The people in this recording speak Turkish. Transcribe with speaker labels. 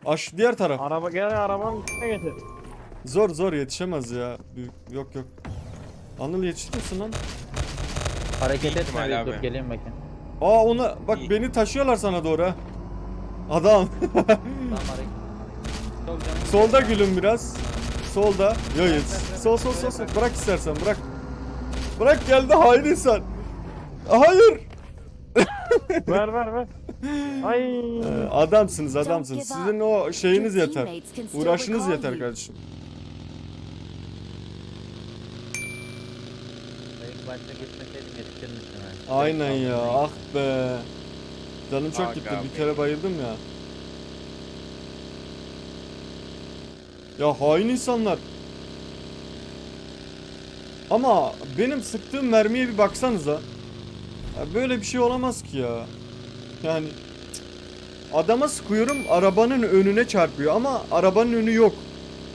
Speaker 1: Aş diğer taraf.
Speaker 2: Araba gel, arabanın üstüne getir.
Speaker 1: Zor zor yetişemez ya. Yok yok. Anıl yetiştirsin lan.
Speaker 3: Hareket
Speaker 4: Büyük
Speaker 3: etme
Speaker 4: ihtimal
Speaker 3: bir
Speaker 4: abi.
Speaker 3: dur geleyim bakayım.
Speaker 1: Aa ona bak
Speaker 4: İyi.
Speaker 1: beni taşıyorlar sana doğru ha. Adam.
Speaker 3: Tamam hareket. Çok canım.
Speaker 1: Solda gülüm biraz. Solda. Yo yetiş. Sol. Bırak istersen bırak. Bırak geldi hain insan. Hayır.
Speaker 2: Ver. Ay.
Speaker 1: Adamsınız. Sizin o şeyiniz yeter. Uğraşınız yeter kardeşim.
Speaker 3: İlk başta gitmeseydim yetişir misin?
Speaker 1: Aynen ya. Ah be. Canım çok
Speaker 4: Aga
Speaker 1: gitti.
Speaker 4: be.
Speaker 1: Bir kere bayıldım ya. Ya hain insanlar. Ama benim sıktığım mermiye bir baksanıza. Ya böyle bir şey olamaz ki ya. Yani cık. Adama sıkıyorum arabanın önüne çarpıyor ama arabanın önü yok.